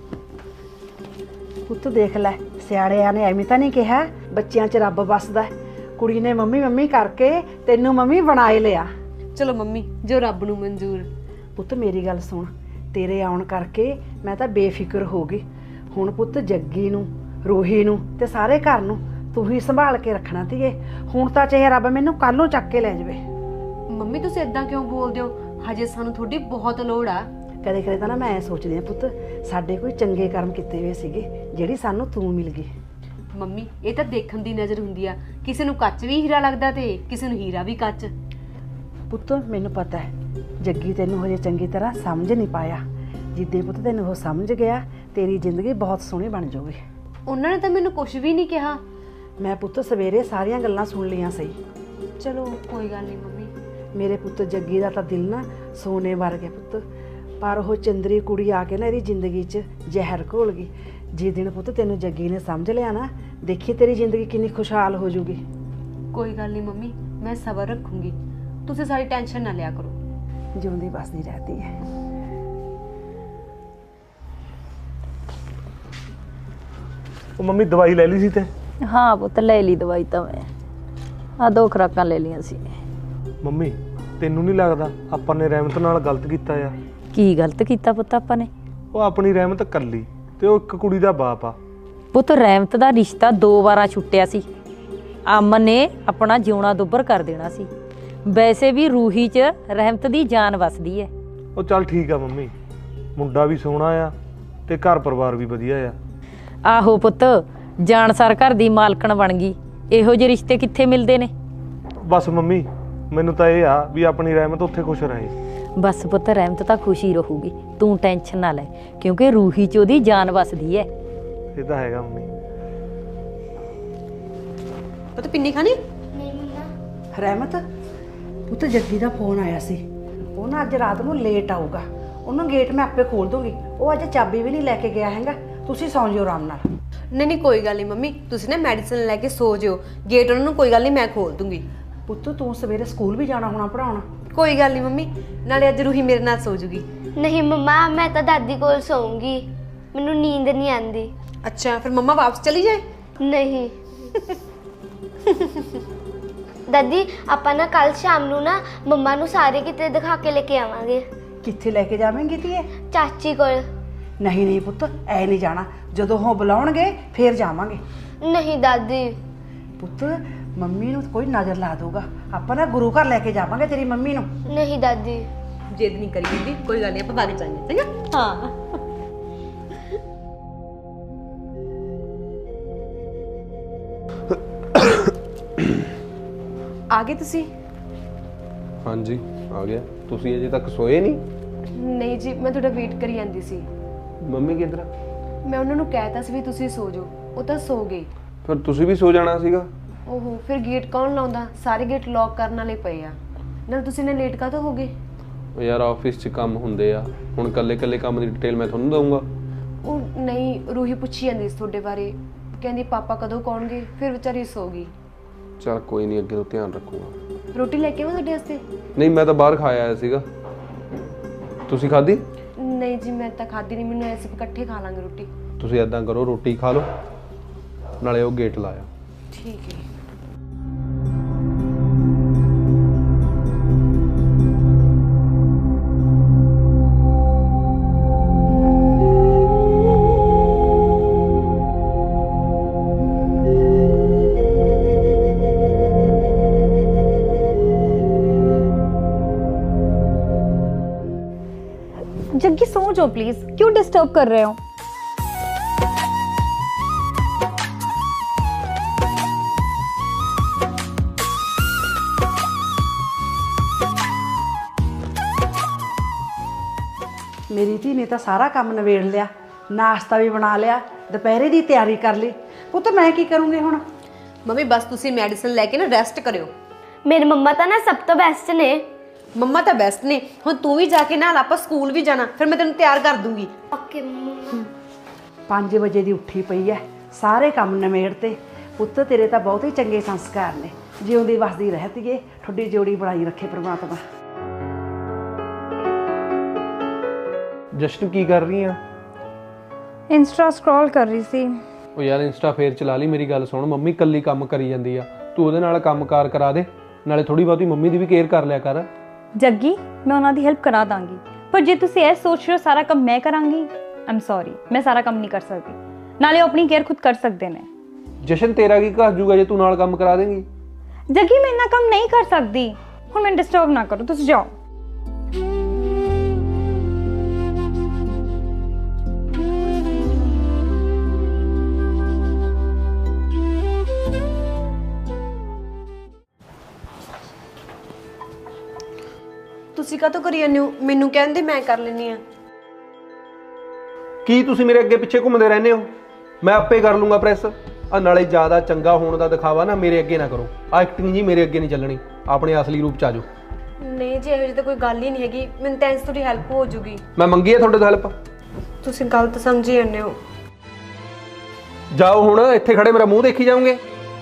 D: ਪੁੱਤ ਦੇਖ ਲੈ, ਸਿਆੜਿਆਂ ਨੇ ਐਵੇਂ ਤਾਂ ਨਹੀਂ ਕਿਹਾ ਬੱਚਿਆਂ 'ਚ ਰੱਬ ਵੱਸਦਾ। ਕੁੜੀ ਨੇ ਮੰਮੀ ਮੰਮੀ ਕਰਕੇ ਤੈਨੂੰ ਮੰਮੀ ਬਣਾ ਹੀ ਲਿਆ।
C: ਚਲੋ ਮੰਮੀ ਜੋ ਰੱਬ ਨੂੰ ਮਨਜ਼ੂਰ।
D: ਪੁੱਤ ਮੇਰੀ ਗੱਲ ਸੁਣ, ਤੇਰੇ ਆਉਣ ਕਰਕੇ ਮੈਂ ਤਾਂ ਬੇਫਿਕਰ ਹੋ ਗਈ। ਹੁਣ ਪੁੱਤ ਜੱਗੀ ਨੂੰ, ਰੂਹੀ ਨੂੰ ਤੇ ਸਾਰੇ ਘਰ ਨੂੰ ਤੂੰ ਹੀ ਸੰਭਾਲ ਕੇ ਰੱਖਣਾ ਧੀਏ। ਹੁਣ ਤਾਂ ਚਾਹੇ ਰੱਬ ਮੈਨੂੰ ਕੱਲ ਨੂੰ ਚੱਕ ਕੇ ਲੈ ਜਾਵੇ।
C: ਮੰਮੀ ਤੁਸੀਂ ਇਦਾਂ ਕਿਉਂ ਬੋਲਦੇ ਹੋ? ਹਜੇ ਸਾਨੂੰ ਤੁਹਾਡੀ ਬਹੁਤ ਲੋੜ ਆ।
D: ਕਦੇ ਕਦੇ ਤਾਂ ਨਾ ਮੈਂ ਸੋਚਦੀ ਆ ਪੁੱਤ, ਸਾਡੇ ਕੋਈ ਚੰਗੇ ਕਰਮ ਕੀਤੇ ਹੋਏ ਸੀਗੇ ਜਿਹੜੀ ਸਾਨੂੰ ਤੂੰ ਮਿਲ ਗਈ।
C: ਮੰਮੀ ਇਹ ਤਾਂ ਦੇਖਣ ਦੀ ਨਜ਼ਰ ਹੁੰਦੀ ਆ, ਕਿਸੇ ਨੂੰ ਕੱਚ ਵੀ ਹੀਰਾ ਲੱਗਦਾ ਤੇ ਕਿਸੇ ਨੂੰ ਹੀਰਾ ਵੀ ਕੱਚ।
D: ਪੁੱਤ ਮੈਨੂੰ ਪਤਾ ਹੈ ਜੱਗੀ ਤੈਨੂੰ ਹਜੇ ਚੰਗੀ ਤਰ੍ਹਾਂ ਸਮਝ ਨਹੀਂ ਪਾਇਆ। ਜਿੱਦੇ ਪੁੱਤ ਤੈਨੂੰ ਉਹ ਸਮਝ ਗਿਆ, ਤੇਰੀ ਜ਼ਿੰਦਗੀ ਬਹੁਤ ਸੋਹਣੀ ਬਣ ਜਾਊਗੀ।
C: ਉਹਨਾਂ ਨੇ ਤਾਂ ਮੈਨੂੰ ਕੁਝ ਵੀ ਨਹੀਂ ਕਿਹਾ।
D: ਮੈਂ ਪੁੱਤ ਸਵੇਰੇ ਸਾਰੀਆਂ ਗੱਲਾਂ ਸੁਣ ਲਈਆਂ ਸਹੀ।
C: ਚਲੋ ਕੋਈ ਗੱਲ ਨਹੀਂ ਮੰਮੀ।
D: ਮੇਰੇ ਪੁੱਤ ਜੱਗੀ ਦਾ ਤਾਂ ਦਿਲ ਨਾ ਸੋਨੇ ਵਰਗਾ ਪੁੱਤ, ਪਰ ਉਹ ਚੰਦਰੀ ਕੁੜੀ ਆ ਕੇ ਨਾ ਇਹਦੀ ਜ਼ਿੰਦਗੀ 'ਚ ਜ਼ਹਿਰ ਘੋਲ ਗਈ। ਜਿਸ ਦਿਨ ਪੁੱਤ ਤੈਨੂੰ ਜੱਗੀ ਨੇ ਸਮਝ ਲਿਆ ਨਾ, ਦੇਖੀ ਤੇਰੀ ਜ਼ਿੰਦਗੀ ਕਿੰਨੀ ਖੁਸ਼ਹਾਲ ਹੋ ਜਾਊਗੀ।
C: ਕੋਈ ਗੱਲ ਨਹੀਂ ਮੰਮੀ, ਮੈਂ ਸਬਰ ਰੱਖੂੰਗੀ। ਤੁਸੀਂ ਸਾਰੀ ਟੈਨਸ਼ਨ ਨਾ ਲਿਆ ਕਰੋ।
D: ਜਿਉਂਦੀ ਬਸਦੀ ਰਹਤੀ ਹੈ।
A: ਉਹ ਮੰਮੀ ਦਵਾਈ ਲੈ ਲਈ ਸੀ ਤੇ?
B: ਹਾਂ ਪੁੱਤ ਲੈ ਲਈ ਦਵਾਈ ਤਾਂ ਮੈਂ, ਆ 2 ਖੁਰਾਕਾਂ ਲੈ ਲਈਆਂ ਸੀ।
A: ਮੰਮੀ ਤੈਨੂੰ ਨਹੀਂ ਲੱਗਦਾ ਆਪਾਂ ਨੇ ਰਹਿਮਤ ਨਾਲ ਗਲਤ ਕੀਤਾ ਆ?
B: ਕੀ ਗਲਤ ਕੀਤਾ ਪੁੱਤ ਆਪਾਂ ਨੇ?
A: ਉਹ ਆਪਣੀ ਰਹਿਮਤ ਕੱਲੀ ਤੇ ਉਹ ਇੱਕ ਕੁੜੀ ਦਾ ਬਾਪ ਆ।
B: ਪੁੱਤ ਰਹਿਮਤ ਦਾ ਰਿਸ਼ਤਾ 2 ਵਾਰਾਂ ਛੁੱਟਿਆ ਸੀ। ਅਮਨ ਨੇ ਆਪਣਾ ਜਿਉਣਾ ਦੁੱਬਰ ਕਰ ਦੇਣਾ ਸੀ। ਵੈਸੇ ਵੀ ਰੂਹੀ 'ਚ ਰਹਿਮਤ ਦੀ ਜਾਨ ਵਸਦੀ ਹੈ।
A: ਉਹ ਚੱਲ ਠੀਕ ਆ ਮੰਮੀ, ਮੁੰਡਾ ਵੀ ਸੋਹਣਾ ਆ ਤੇ ਘਰ ਪਰਿਵਾਰ ਵੀ ਵਧੀਆ ਆ।
B: ਆਹੋ ਪੁੱਤ, ਜਾਣਸਾਰ ਘਰ ਦੀ ਮਾਲਕਣ ਬਣ ਗਈ। ਇਹੋ ਜਿਹੇ ਰਿਸ਼ਤੇ ਕਿੱਥੇ ਮਿਲਦੇ ਨੇ?
A: ਬਸ ਮੰਮੀ ਮੈਨੂੰ ਤਾਂ ਇਹ ਆ ਵੀ ਆਪਣੀ ਰਹਿਮਤ ਉੱਥੇ ਖੁਸ਼ ਰਹੇ।
B: ਬਸ ਪੁੱਤ ਰਹਿਮਤ ਤਾਂ ਖੁਸ਼ੀ ਰਹੂਗੀ, ਤੂੰ ਟੈਨਸ਼ਨ ਨਾ ਲੈ, ਕਿਉਂਕਿ ਰੂਹੀ 'ਚ ਉਹਦੀ ਜਾਨ ਵਸਦੀ ਹੈ।
A: ਇਹ ਤਾਂ ਹੈਗਾ ਮੰਮੀ।
C: ਉਹ ਤਾਂ ਪਿੰਨੀ ਖਾਣੀ?
F: ਨਹੀਂ ਮੰਮਾ।
D: ਰਹਿਮਤ ਪੁੱਤ ਜੱਗੀ ਦਾ ਫੋਨ ਆਇਆ ਸੀ। ਉਹ ਨਾ ਅੱਜ ਰਾਤ ਨੂੰ ਲੇਟ ਆਊਗਾ। ਉਹਨੂੰ ਗੇਟ ਮੈਂ ਆਪੇ ਖੋਲ ਦੂੰਗੀ। ਉਹ ਅੱਜ ਚਾਬੀ ਵੀ ਨਹੀਂ ਲੈ ਕੇ ਗਿਆ ਹੈਗਾ। ਤੁਸੀਂ ਸੌਂ ਜਿਓ ਆਰਾਮ ਨਾਲ।
C: ਨਹੀਂ ਕੋਈ ਗੱਲ ਨਹੀਂ ਮੰਮੀ, ਤੁਸੀਂ ਨਾ ਮੈਡੀਸਨ ਲੈ ਕੇ ਸੋ ਜਿਓ। ਗੇਟ ਉਹਨਾਂ ਨੂੰ ਕੋਈ ਗੱਲ ਨਹੀਂ, ਮੈਂ ਖੋਲ ਦੂੰਗੀ।
D: ਪੁੱਤ ਤੂੰ ਸਵੇਰੇ ਸਕੂਲ ਵੀ ਜਾਣਾ ਹੋਣਾ ਪੜਾਉਣ।
C: ਕੋਈ ਗੱਲ ਨਹੀਂ ਮੰਮੀ, ਨਾਲੇ ਅੱਜ ਰੂਹੀ ਮੇਰੇ ਨਾਲ ਸੋ ਜੂਗੀ।
F: ਨਹੀਂ ਮੰਮਾ, ਮੈਂ ਤਾਂ ਦਾਦੀ ਕੋਲ ਸੌਂਗੀ, ਮੈਨੂੰ ਨੀਂਦ ਨਹੀਂ ਆਉਂਦੀ।
C: ਅੱਛਾ, ਫਿਰ ਮੰਮਾ ਵਾਪਸ ਚਲੀ ਜਾਏ?
F: ਨਹੀਂ ਦਾਦੀ, ਆਪਾਂ ਨਾ ਕੱਲ ਸ਼ਾਮ ਨੂੰ ਨਾ ਮੰਮਾ ਨੂੰ ਸਾਰੇ ਕਿਤੇ ਦਿਖਾ ਕੇ ਲੈ ਕੇ ਆਵਾਂਗੇ।
D: ਕਿੱਥੇ ਲੈ ਕੇ ਜਾਵੇਂਗੀ ਧੀਏ?
F: ਚਾਚੀ ਕੋਲ।
D: ਨਹੀਂ ਨਹੀਂ ਪੁੱਤ, ਐ ਨਹੀਂ ਜਾਣਾ। ਜਦੋਂ ਉਹ ਬੁਲਾਉਣਗੇ ਫੇਰ ਜਾਵਾਂਗੇ।
F: ਨਹੀਂ ਦਾਦੀ।
D: ਪੁੱਤ ਮੰਮੀ ਨੂੰ ਕੋਈ ਨਜ਼ਰ ਲਾ ਦੂਗਾ। ਆਪਾਂ ਨਾ ਗੁਰੂ ਘਰ ਲੈ ਕੇ ਜਾਵਾਂਗੇ ਤੇਰੀ ਮੰਮੀ ਨੂੰ।
F: ਨਹੀਂ ਦਾਦੀ।
C: ਜਿੱਦ ਨਹੀਂ ਕਰੀ ਬੀਬੀ, ਕੋਈ ਗੱਲ ਨਹੀਂ, ਆਪਾਂ ਬਾਗ ਜਾਈਏ, ਚੰਗਾ? ਹਾਂ। ਆ ਗਏ ਤੁਸੀਂ?
E: ਹਾਂਜੀ ਆ ਗਿਆ। ਤੁਸੀਂ ਅਜੇ ਤੱਕ ਸੋਏ ਨਹੀਂ?
C: ਨਹੀਂ ਜੀ, ਮੈਂ ਤੁਹਾਡਾ ਵੇਟ ਕਰੀ ਜਾਂਦੀ ਸੀ।
E: ਮੰਮੀ ਕਿੱਧਰ ਆ?
C: ਮੈਂ ਉਹਨਾਂ ਨੂੰ ਕਹਿਤਾ ਸੀ ਵੀ ਤੁਸੀਂ ਸੋ ਜਾਓ, ਉਹ ਤਾਂ ਸੋ ਗਏ।
E: ਫਿਰ ਤੁਸੀਂ ਵੀ ਸੋ ਜਾਣਾ ਸੀਗਾ।
C: ਓਹੋ, ਫਿਰ ਗੇਟ ਕੌਣ ਲਾਉਂਦਾ? ਸਾਰੇ ਗੇਟ ਲੌਕ ਕਰਨ ਵਾਲੇ ਪਏ ਆ। ਨਾਲ ਤੁਸੀਂ ਨੇ ਲੇਟ ਕਾਹਤੋਂ ਹੋ ਗਏ?
E: ਉਹ ਯਾਰ ਆਫਿਸ 'ਚ ਕੰਮ ਹੁੰਦੇ ਆ, ਹੁਣ ਕੱਲੇ ਕੰਮ ਦੀ ਡਿਟੇਲ ਮੈਂ ਤੁਹਾਨੂੰ ਦਊਂਗਾ।
C: ਉਹ ਨਹੀਂ, ਰੂਹੀ ਪੁੱਛੀ ਜਾਂਦੀ ਸੀ ਤੁਹਾਡੇ ਬਾਰੇ, ਕਹਿੰਦੀ ਪਾਪਾ ਕਦੋਂ ਕੌਣਗੇ, ਫਿਰ ਵਿਚਾਰੀ ਸੋ ਗਈ।
E: ਚਲ ਕੋਈ ਨਹੀਂ, ਅੱਗੇ ਤੋਂ ਧਿਆਨ ਰੱਖੂਗਾ।
C: ਰੋਟੀ ਲੈ ਕੇ ਆਵਾਂ ਤੁਹਾਡੇ ਵਾਸਤੇ?
E: ਨਹੀਂ, ਮੈਂ ਤਾਂ ਬਾਹਰ ਖਾਇਆ ਆਇਆ ਸੀਗਾ। ਤੁਸੀਂ ਖਾਧੀ?
C: ਨਹੀਂ ਜੀ, ਮੈਂ ਤਾਂ ਖਾਧੀ ਨਹੀਂ, ਮੈਨੂੰ ਐਸੇ ਇਕੱਠੇ ਖਾ ਲਾਂਗੇ ਰੋਟੀ।
E: ਤੁਸੀਂ ਐਦਾਂ ਕਰੋ, ਰੋਟੀ ਖਾ ਲਓ, ਨਾਲੇ ਉਹ ਗੇਟ ਲਾਇਆ।
C: ਠੀਕ ਹੈ।
H: जग्गी सो जाओ प्लीज, क्यों डिस्टर्ब कर रहे हो?
D: ਮੇਰੀ ਧੀ ਨੇ ਤਾਂ ਸਾਰਾ ਕੰਮ ਨਿਬੇੜ ਲਿਆ, ਨਾਸ਼ਤਾ ਵੀ ਬਣਾ ਲਿਆ, ਦੁਪਹਿਰੇ ਦੀ ਤਿਆਰੀ ਕਰ ਲਈ। ਪੁੱਤ ਮੈਂ ਕੀ ਕਰੂੰਗੀ ਹੁਣ?
C: ਮੰਮੀ ਬਸ ਤੁਸੀਂ ਮੈਡੀਸਨ ਲੈ ਕੇ ਨਾ ਰੈਸਟ ਕਰਿਓ।
F: ਮੇਰੇ ਮੰਮਾ ਤਾਂ ਨਾ ਸਭ ਤੋਂ ਬੈਸਟ ਨੇ।
C: ਮੰਮਾ ਤਾਂ ਬੈਸਟ ਨੇ। ਹੁਣ ਤੂੰ ਵੀ ਜਾ ਕੇ ਨਾਲ ਆਪਾਂ ਸਕੂਲ ਵੀ ਜਾਣਾ, ਫਿਰ ਮੈਂ ਤੈਨੂੰ ਤਿਆਰ ਕਰ ਦੂੰਗੀ।
F: ਓਕੇ ਮੰਮਾ।
D: 5 ਵਜੇ ਦੀ ਉੱਠੀ ਪਈ ਐ, ਸਾਰੇ ਕੰਮ ਨਿਬੇੜਤੇ। ਪੁੱਤ ਤੇਰੇ ਤਾਂ ਬਹੁਤ ਹੀ ਚੰਗੇ ਸੰਸਕਾਰ ਨੇ। ਜਿਉਂਦੀ ਵਸਦੀ ਰਹਤੀਏ, ਠੁੱਡੀ ਜੋੜੀ ਬਣਾਈ ਰੱਖੇ ਪ੍ਰਮਾਤਮਾ।
E: ਜਸ਼ਨ ਕੀ ਕਰ ਰਹੀ ਆ?
H: इंस्टा स्क्रॉल कर रही थी।
E: ਉਹ ਯਾਰ ਇੰਸਟਾ ਫੇਰ ਚਲਾ ਲਈ। ਮੇਰੀ ਗੱਲ ਸੁਣ, ਮੰਮੀ ਕੱਲੀ ਕੰਮ ਕਰੀ ਜਾਂਦੀ ਆ, ਤੂੰ ਉਹਦੇ ਨਾਲ ਕੰਮਕਾਰ ਕਰਾ ਦੇ, ਨਾਲੇ ਥੋੜੀ ਬਹੁਤੀ ਮੰਮੀ ਦੀ ਵੀ ਕੇਅਰ ਕਰ ਲਿਆ ਕਰ।
H: जग्गी मैं उन्होंने हेल्प करा दांगी, पर जे तुसी ऐ सोच रहे हो सारा काम मैं करांगी, आई एम सॉरी, मैं सारा काम नहीं कर सकती। नाले वो अपनी केयर खुद कर सकते ने।
E: ਜਸ਼ਨ ਤੇਰਾ ਕੀ ਘਸ ਜੂਗਾ ਜੇ ਤੂੰ ਨਾਲ ਕੰਮ ਕਰਾ ਦੇਂਗੀ?
H: जग्गी मैं इतना काम नहीं कर सकती। हुण मैं डिस्टर्ब ना करो, तुसी जाओ।
C: ਤੁਸੀਂ ਕਾਹਤੋਂ ਕਰੀ ਜਾਂਦੇ ਹੋ? ਮੈਨੂੰ ਕਹਿੰਦੇ ਮੈਂ ਕਰ ਲੈਣੀ ਆ।
E: ਕੀ ਤੁਸੀਂ ਮੇਰੇ ਅੱਗੇ ਪਿੱਛੇ ਘੁੰਮਦੇ ਰਹਿੰਦੇ ਹੋ? ਮੈਂ ਆਪੇ ਕਰ ਲੂੰਗਾ ਪ੍ਰੈਸ। ਆ ਨਾਲੇ ਜ਼ਿਆਦਾ ਚੰਗਾ ਹੋਣ ਦਾ ਦਿਖਾਵਾ ਨਾ ਮੇਰੇ ਅੱਗੇ ਨਾ ਕਰੋ। ਆ ਐਕਟਿੰਗ ਜੀ ਮੇਰੇ ਅੱਗੇ ਨਹੀਂ ਚੱਲਣੀ। ਆਪਣੇ ਅਸਲੀ ਰੂਪ ਚ ਆ ਜਾਓ।
C: ਨਹੀਂ ਜੀ, ਇਹੋ ਜਿਹੀ ਤਾਂ ਕੋਈ ਗੱਲ ਹੀ ਨਹੀਂ ਹੈਗੀ। ਮੈਨੂੰ ਤਾਂ ਇਸ ਤੁਹਾਡੀ ਹੈਲਪ ਹੋ ਜੂਗੀ।
E: ਮੈਂ ਮੰਗੀ ਆ ਤੁਹਾਡੇ ਤੋਂ ਹੈਲਪ?
C: ਤੁਸੀਂ ਗਲਤ ਸਮਝੀ ਜਾਂਦੇ ਹੋ।
E: ਜਾਓ ਹੁਣ, ਇੱਥੇ ਖੜੇ ਮੇਰਾ ਮੂੰਹ ਦੇਖੀ ਜਾਓਗੇ।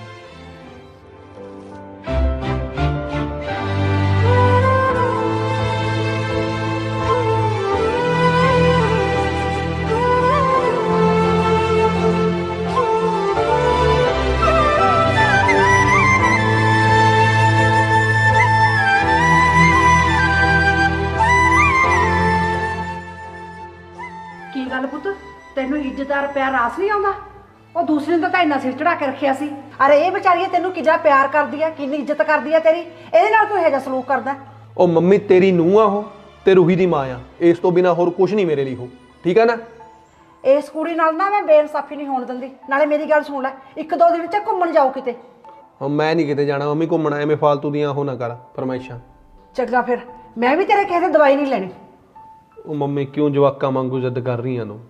D: ਕੀ ਗੱਲ ਪੁੱਤ, ਤੈਨੂੰ ਇੱਜ਼ਤਦਾਰ ਪਿਆਰ ਰਾਸ ਨਹੀਂ ਆਉਂਦਾ? ਉਹ ਦੂਸਰੇ ਨੂੰ ਤਾਂ ਇੰਨਾ ਸਿਰ ਚੜਾ ਕੇ ਰੱਖਿਆ ਸੀ। ਅਰੇ ਇਹ ਵਿਚਾਰੀ ਤੈਨੂੰ ਕਿੰਨਾ ਪਿਆਰ ਕਰਦੀ ਆ, ਕਿੰਨੀ ਇੱਜ਼ਤ ਕਰਦੀ ਆ ਤੇਰੀ, ਇਹਦੇ ਨਾਲ ਤੂੰ ਇਹੋ ਜਿਹਾ ਸਲੂਕ ਕਰਦਾ?
E: ਉਹ ਮੰਮੀ ਤੇਰੀ ਨੂੰਹ ਆ ਉਹ, ਤੇ ਰੂਹੀ ਦੀ ਮਾਂ ਆ। ਇਸ ਤੋਂ ਬਿਨਾ ਹੋਰ ਕੁਝ ਨਹੀਂ ਮੇਰੇ ਲਈ ਹੋ, ਠੀਕ ਆ ਨਾ?
D: ਇਸ ਕੁੜੀ ਨਾਲ ਨਾ ਮੈਂ ਬੇਇਨਸਾਫੀ ਨਹੀਂ ਹੋਣ ਦਿੰਦੀ। ਨਾਲੇ ਮੇਰੀ ਗੱਲ ਸੁਣ ਲੈ, 1-2 ਦਿਨ ਚ ਘੁੰਮਣ ਜਾਓ ਕਿਤੇ।
E: ਹੁਣ ਮੈਂ ਨਹੀਂ ਕਿਤੇ ਜਾਣਾ ਮੰਮੀ ਘੁੰਮਣਾ, ਐਵੇਂ ਫਾਲਤੂ ਦੀਆਂ ਉਹ ਨਾ ਕਰ ਫਰਮਾਇਸ਼ਾਂ।
D: ਚੰਗਾ ਫਿਰ, ਮੈਂ ਵੀ ਤੇਰੇ ਕਿਸੇ ਦੀ ਦਵਾਈ ਨਹੀਂ ਲੈਣੀ।
E: ਉਹ ਮੰਮੀ ਕਿਉਂ ਜਵਾਕਾਂ ਵਾਂਗੂ ਜਿੱਦ ਕਰ ਰਹੀਆਂ ਨੂੰ?